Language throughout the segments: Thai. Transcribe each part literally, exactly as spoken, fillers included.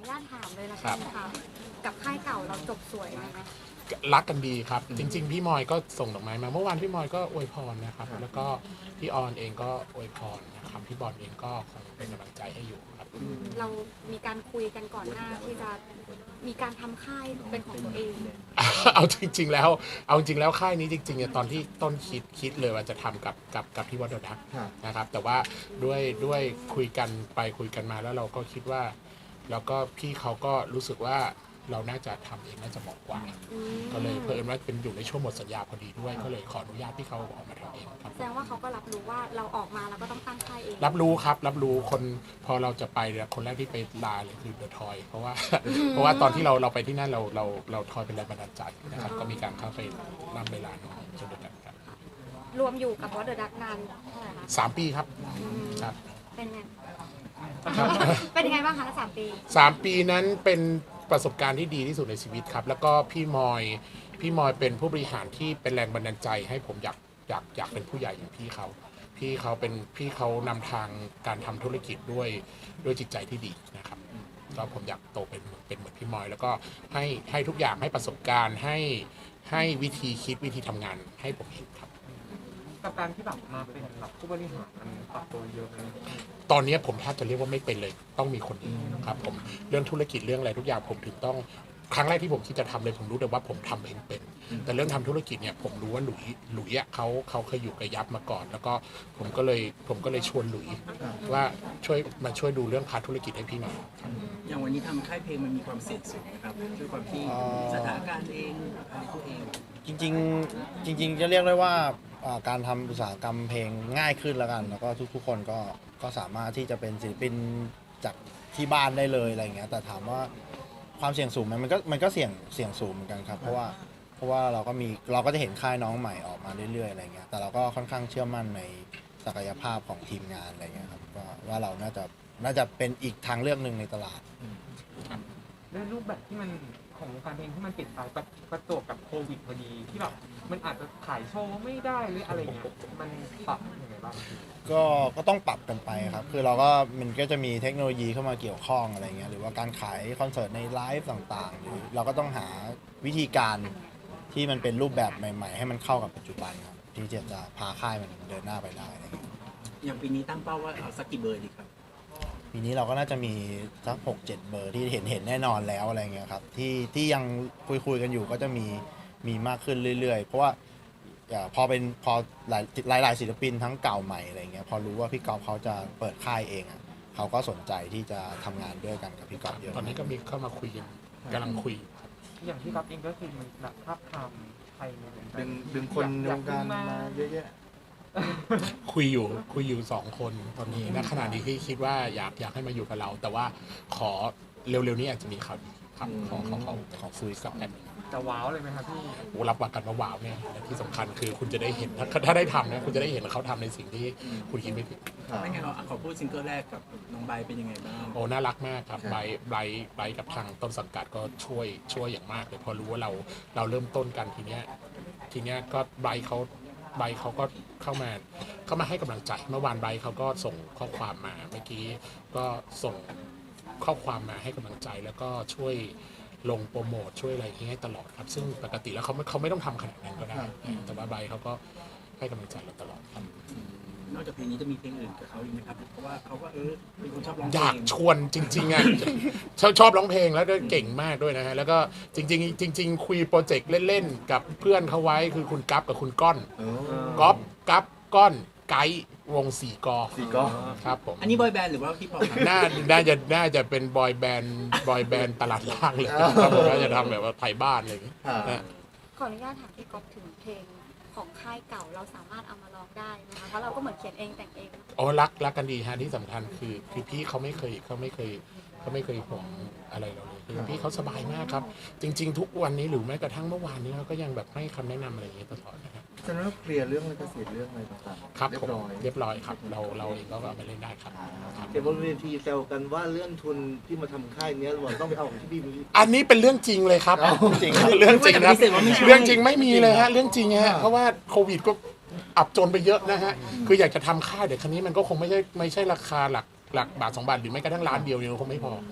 ญาตถามเลยละกันค่ะกับค่ายเก่าเราจบสวยไหมคะรักกันดีครับจริงๆพี่มอยก็ส่งดอกไม้มาเมื่อวานพี่มอยก็อวยพรนะครับแล้วก็พี่ออนเองก็อวยพรนะครับพี่บอลเองก็คงเป็นกำลังใจให้อยู่ครับเรามีการคุยกันก่อนหน้าที่จะมีการทำค่ายเป็นของตัวเองเอาจริงๆแล้วเอาจริงแล้วค่ายนี้จริงๆเนี่ยตอนที่ต้นคิดคิดเลยว่าจะทำกับกับกับที่วัดดดักนะครับแต่ว่าด้วยด้วยคุยกันไปคุยกันมาแล้วเราก็คิดว่าแล้วก็พี่เขาก็รู้สึกว่าเราน่าจะทำเองน่าจะเหมาะกว่าก็เลยเพิ่มว่าเป็นอยู่ในช่วงหมดสัญญาพอดีด้วยก็เลยขออนุญาตพี่เขาออกมาทำเองครับแสดงว่าเขาก็รับรู้ว่าเราออกมาเราก็ต้องตั้งค่ายเองรับรู้ครับรับรู้คนพอเราจะไปเนี่ยคนแรกที่ไปลาเลยคือเดอะทอยเพราะว่าเพราะว่าตอนที่เราเราไปที่นั่นเราเราเราทอยเป็นแรงบันดาลใจนะครับก็มีการเข้าไปนำเวลาน้องจนเดียวกันครับรวมอยู่กับวอเดอร์ดักนานเท่าไหร่คะสามปีครับอืมครับเป็นไงเป็นยังไงบ้างคะสามปีสามปีนั้นเป็นประสบการณ์ที่ดีที่สุดในชีวิตครับแล้วก็พี่มอยพี่มอยเป็นผู้บริหารที่เป็นแรงบันดาลใจให้ผมอยากอยากอยากเป็นผู้ใหญ่อย่างพี่เขาพี่เขาเป็นพี่เขานำทางการทำธุรกิจด้วยด้วยจิตใจที่ดีนะครับก็ผมอยากโตเป็นเป็นเหมือนพี่มอย แล้วก็ให้ให้ทุกอย่างให้ประสบการณ์ให้ให้วิธีคิดวิธีทำงานให้ผมเห็นครับกับการที่แบบมาเป็นแบบผู้บริหารมันปรับตัวเยอะเลยตอนนี้ผมแทบจะเรียกว่าไม่เป็นเลยต้องมีคนอื่นครับผมเรื่องธุรกิจเรื่องอะไรทุกอย่างผมถึงต้องครั้งแรกที่ผมคิดจะทำเลยผมรู้แต่ว่าผมทำเองเป็นแต่เรื่องทำธุรกิจเนี่ยผมรู้ว่าหลุยหลุยอ่ะเขาเขาเคยอยู่กับยับมาก่อน แล้วก็ผมก็เลยผมก็เลยชวนหลุยว่าช่วยมาช่วยดูเรื่องพาร์ทธุรกิจให้พี่หน่อยครับอย่างวันนี้ทำค่ายเพลงมันมีความเสี่ยงสูงนะครับด้วยความที่สถานการณ์เองอะไรตัวเองจริงๆจริงๆจะเรียกได้ว่าอ่าการทำอุตสาหกรรมเพลงง่ายขึ้นแล้วกัน แล้วก็ทุกๆคนก็ก็สามารถที่จะเป็นศิลปินจากที่บ้านได้เลยอะไรอย่างเงี้ยแต่ถามว่าความเสี่ยงสูงไหมมันก็มันก็เสี่ยงเสี่ยงสูงเหมือนกันครับเพราะว่าเพราะว่าเราก็มีเราก็จะเห็นค่ายน้องใหม่ออกมาเรื่อยๆอะไรเงี้ยแต่เราก็ค่อนข้างเชื่อมั่นในศักยภาพของทีมงานอะไรเงี้ยครับว่าว่าเราน่าจะน่าจะเป็นอีกทางเลือกหนึ่งในตลาดด้วยรูปแบบที่มันของวงการเพลงที่มันเปลี่ยนไปกับประจวบกับโควิดพอดีที่แบบมันอาจจะขายโชว์ไม่ได้หรืออะไรเงี้ยมันปรับยังไงบ้างก็ก็ต้องปรับกันไปครับ คือเราก็มันก็จะมีเทคโนโลยีเข้ามาเกี่ยวข้องอะไรเงี้ย หรือว่าการขายคอนเสิร์ตในไลฟ์ต่างๆ หรือเราก็ต้องหาวิธีการที่มันเป็นรูปแบบใหม่ๆ ให้มันเข้ากับปัจจุบันครับที่จะจะพาค่ายมันเดินหน้าไปได้อะไรเงี้ยอย่างปีนี้ตั้งเป้าว่าเอาสักกี่เบอร์ดีครับปีนี้เราก็น่าจะมีสักหกเจ็ดเบอร์ที่เห็นเห็นแน่นอนแล้วอะไรเงี้ยครับ ที่ที่ยังคุยคุยกันอยู่ก็จะมีมีมากขึ้นเรื่อยๆ เพราะว่าอ่าพอเป็นพอหลายหลายหลายศิลปินทั้งเก่าใหม่อะไรเงี้ยพอรู้ว่าพี่กอล์ฟเขาจะเปิดค่ายเองอะเขาก็สนใจที่จะทำงานด้วยกันกับพี่กอล์ฟเยอะตอนนี้ก็มีเข้ามาคุยกันกำลังคุยอย่างที่รับเองก็คือมันแบบภาพทำไทยในวงการดึงดึงคนในวงการมาเยอะแยะคุยอยู่คุยอยู่สองคนตอนนี้ณขณะนี้ที่คิดว่าอยากอยากให้มาอยู่กับเรา แต่ว่าขอเร็วๆนี้อาจจะมีข่าวดีครับขอขอขอขอคุยกับแอดมินจะว้าวเลยไหมครับพี่โอ้รับประกันว่าว้าวเนี่ยและที่สำคัญคือคุณจะได้เห็นถ้าถ้าได้ทำนะคุณจะได้เห็นเขาทำในสิ่งที่คุณคิดไม่ถึงไม่งั้นเราขอพูดซิงเกิลแรกกับน้องใบเป็นยังไงบ้างโอ้น่ารักมากครับไบร์ทไบร์ทไบร์ทกับทางต้นสังกัดก็ช่วยช่วยอย่างมากเลยพอรู้ว่าเราเราเริ่มต้นกันทีเนี้ยทีเนี้ยก็ไบร์ทเขาไบร์ทเขาก็เข้ามาเข้ามาให้กำลังใจเมื่อวานไบร์ทเขาก็ส่งข้อความมาเมื่อกี้ก็ส่งข้อความมาให้กำลังใจแล้วก็ช่วยลงโปรโมทช่วยอะไรอย่างเงี้ยให้ตลอดครับซึ่งปกติแล้วเขาไม่เขาไม่ต้องทำขนาดนั้นก็ได้แต่ว่าไบร์ทเขาก็ให้กำลังใจเราตลอดครับนอกจากเพลงนี้จะมีเพลงอื่นกับเขาอีกไหมครับ เพราะว่าเขาก็เออเป็นคนชอบร้องเพอลยากงชวนจริงๆอ่ะ ชอบชอบร้องเพลงแล้วก็เก่งมากด้วยนะฮะแล้วก็จริงๆจริง ๆ คุยโปรเจกต์เล่นๆกับเพื่อนเขาไว้คือคุณกั๊บกับคุณก้อนก๊อฟกั๊บก้อนไกด์วงสี่กอสี่กอครับผมอันนี้บอยแบนด์หรือว่าฮิปฮอปครับน่าน่าจะน่าจะเป็นบอยแบนด์บอยแบนด์ตลาดล่างเลยครับผมน่าจะทำแบบว่าไทยบ้านอะไรอย่างเงี้ยนะขออนุญาตถามพี่ก๊อฟถึงเพลงของค่ายเก่าเราสามารถเอามาร้องได้นะคะเพราะเราก็เหมือนเขียนเองแต่งเองอ๋อรักรักกันดีฮะที่สำคัญคือคือพี่เขาไม่เคยเขาไม่เคยเขาไม่เคยห่วงอะไรเราเลยคือพี่เขาสบายมากครับ จริง ๆ ทุกวันนี้หรือแม้กระทั่งเมื่อวานนี้เขาก็ยังแบบให้คำแนะนำอะไรอย่างเงี้ยตลอดนะครับฉะนั้นเคลียร์เรื่องลิขสิทธิ์เรื่องอะไรต่างๆครับเรียผมบร้อยเรียบร้อยครับเราเราเองก็เอาไปเล่นได้ครับครับเห็นบนเวทีแซวกันว่าเรื่องทุนที่มาทำค่ายเนี้ยเราต้องไปเอาของที่พี่มีอันนี้เป็นเรื่องจริงเลยครับจริงเรื่องจริงครับไม่ได้ปฏิเสธว่าไม่ใช่เรื่องจริงไม่มีเลยฮะเรื่องจริงฮะเพราะว่าโควิดก็อับจนไปเยอะนะฮะคืออยากจะทำค่ายเดี๋ยวครั้นี้มันก็คงไม่ใช่ไม่ใช่ราคาหลักหลักบาทสองบาทหรือไม่กระทั่งล้านเดียวเนี่ยคงไม่พอ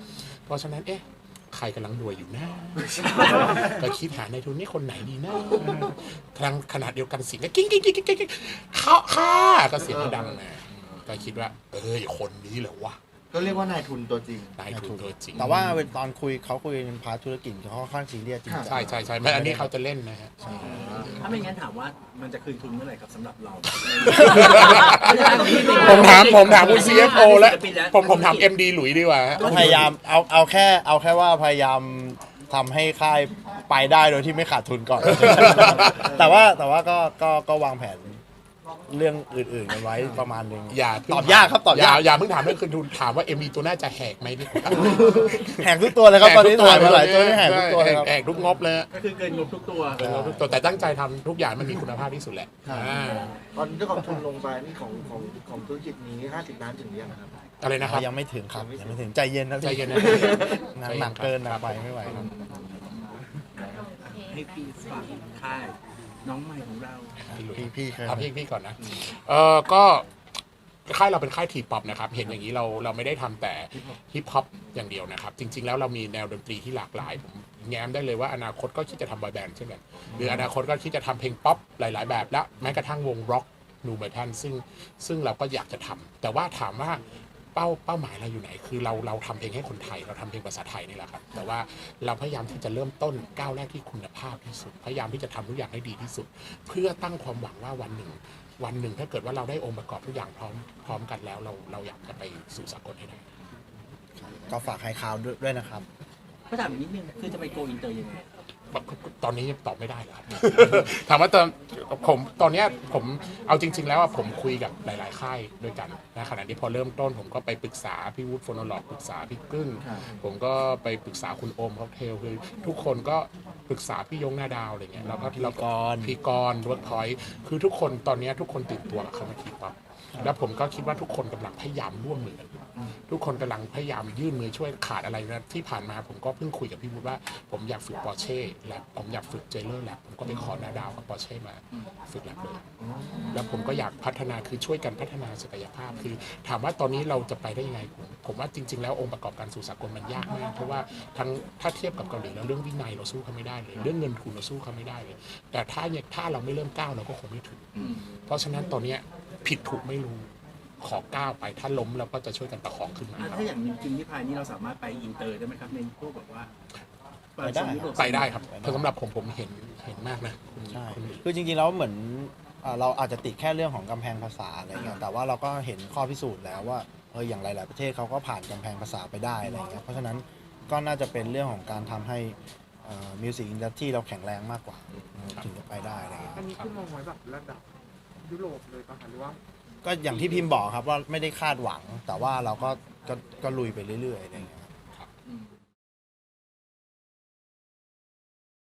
เพราะฉะนั้นเอ๊ะใครกำลังรวยอยู่นะ ก็คิดหาในทุนนี่คนไหนดีนะทางขนาดเดียวกันเสียงก็กิ้งกิ้งกิ้งกิ้งกิ้งเขาค่าก็เสียงก็ดังนะก็คิดว่าเอ้ยคนนี้เหรอวะก็เรียกว่านายทุนตัวจริงนายทุนตัวจริงแต่ว่าเป็นตอนคุยเขาคุยในพาร์ทธุรกิจเขาค่อนข้างซีเรียสจริงจังใช่ใช่ใช่ไม่อันนี้เขาจะเล่นนะฮะถ้าไม่งั้นถามว่ามันจะคืนทุนเมื่อไหร่ครับสำหรับเราผมถามผมถามคุณ ซี เอฟ โอ แล้วผมผมถาม เอ็ม ดี หลุยดีกว่าฮะพยายามเอาเอาแค่เอาแค่ว่าพยายามทำให้ค่ายไปได้โดยที่ไม่ขาดทุนก่อน แต่ว่าแต่ว่าก็ก็ก็วางแผนเรื่องอื่นๆกันไว้ประมาณนึงอย่าเพิ่งตอบยากครับตอบยากอย่าเพิ่งถามเรื่องคืนทุนถามว่า เอ็ม ดี ตัวน่าจะแหกไหมดีกว่าแหกทุกตัวเลยครับตอนนี้ถ่ายมาหลายตัวนี่แหกทุกตัวเลยครับแหกทุกงบเลยฮะก็คือเกินงบทุกตัวเกินงบทุกตัวแต่ตั้งใจทำทุกอย่างมันมีคุณภาพที่สุดแหละครับอ่าตอนที่กองทุนลงไปนี่ของของของธุรกิจนี้ห้าสิบล้านถึงหรือยังครับอะไรนะครับยังไม่ถึงครับยังไม่ถึงใจเย็นนะพี่ใจเย็นนะหนักหนักเกินนะไปไม่ไหวครับให้พี่ฝากค่ายน้องใหม่ของเราพี่พี่เคยเอาพี่พี่ก่อนนะ เออก็ค่ายเราเป็นค่ายทีป๊อปนะครับ เห็นอย่างนี้เราเราไม่ได้ทำแต่ฮิปฮอปอย่างเดียวนะครับ จริง ๆ แล้วเรามีแนวดนตรีที่หลากหลาย ผมแง้มได้เลยว่าอนาคตก็คิดจะทำบอยแบนด์เช่นกันหรืออนาคตก็คิดจะทำเพลงป๊อปหลาย ๆ แบบและแม้กระทั่งวงร็อกนูเมทัลซึ่งซึ่งเราก็อยากจะทำแต่ว่าถามว่าเป้าเป้าหมายเราอยู่ไหน คือเราเราทำเพลงให้คนไทยเราทำเพลงภาษาไทยนี่แหละครับแต่ว่าเราพยายามที่จะเริ่มต้นก้าวแรกที่คุณภาพที่สุด พยายามที่จะทำทุกอย่างให้ดีที่สุด เพื่อตั้งความหวังว่าวันหนึ่ง วันหนึ่งถ้าเกิดว่าเราได้องค์ประกอบทุกอย่างพร้อมพร้อมกันแล้วเราเราอยากจะไปสู่สากลให้ได้ก็ฝากให้ข่าวด้วยด้วยนะครับก็ถามอีกนิดนึงคือจะไปโกอินเตอร์ยังไงตอนนี้ตอบไม่ได้เลยครับ ถามว่าตอนผมตอนเนี้ยผมเอาจริง ๆ แล้วอะผมคุยกับหลาย ๆ ค่ายด้วยกันนะขณะที่พอเริ่มต้นผมก็ไปปรึกษาพี่วูดโฟโนโลกปรึกษาพี่กึ้งครับผมก็ไปปรึกษาคุณโอมค็อกเทลคือทุกคนก็ปรึกษาพี่ยงหน้าดาวอะไรเงี้ยแล้วก็พี่แล้วกรณ์พี่กรเวิร์กพอยต์คือทุกคนตอนเนี้ยทุกคนตื่นตัวกับคำว่าทีป๊อปแล้วผมก็คิดว่าทุกคนกำลังพยายามร่วมมือกันทุกคนกำลังพยายามยื่นมือช่วยขาดอะไรนะที่ผ่านมาผมก็เพิ่งคุยกับพี่วูดว่าผมอยากฝึกปอร์เช่และผมอยากฝึกเจเลอร์แลบผมก็ไปขอหน้าดาวกับปอร์เช่มาฝึกแลบเลย แล้วผมก็อยากพัฒนาคือช่วยกันพัฒนาศักยภาพคือถามว่าตอนนี้เราจะไปได้ยังไงผมผมว่าจริง ๆ แล้วองค์ประกอบการสู่สากลมันยากมากเพราะว่าทั้งถ้าเทียบกับเกาหลีแล้วเรื่องวินัยเราสู้เขาไม่ได้เลยเรื่องเงินทุนเราสู้เขาไม่ได้เลย แต่ถ้าเนี่ยถ้าเราไม่เริ่มก้าวเราก็คงไม่ถึง เพราะฉะนั้นตอนเนี้ยผิดถูกไม่รู้ขอก้าวไปถ้าล้มเราก็จะช่วยกันประคองขึ้นมาอ่ะครับถ้าอย่างจริงที่พายนี่เราสามารถไปอินเตอร์ได้ไหมครับในพวกแบบว่าไปได้ยุโรปไปได้ครับเพราะสำหรับผมผมเห็นเห็นมากนะคุณใช่คุณหลิวคือจริงๆแล้วเหมือนอ่าเราอาจจะติดแค่เรื่องของกำแพงภาษาอะไรเงี้ยแต่ว่าเราก็เห็นข้อพิสูจน์แล้วว่าเอออย่างหลายๆประเทศเขาก็ผ่านกำแพงภาษาไปได้อะไรเงี้ยเพราะฉะนั้นก็น่าจะเป็นเรื่องของการทำให้มิวสิกอินดัสทรีเราแข็งแรงมากกว่าถึงจะไปได้อะไรเงี้ยอันนี้คือมองไว้แบบระดับยุโรปเลยป่ะคะหรือว่าก็อย่างที่พิมพ์บอกครับว่าไม่ได้คาดหวัง แต่ว่าเราก็ก็ก็ลุยไปเรื่อยๆอะไรเงี้ย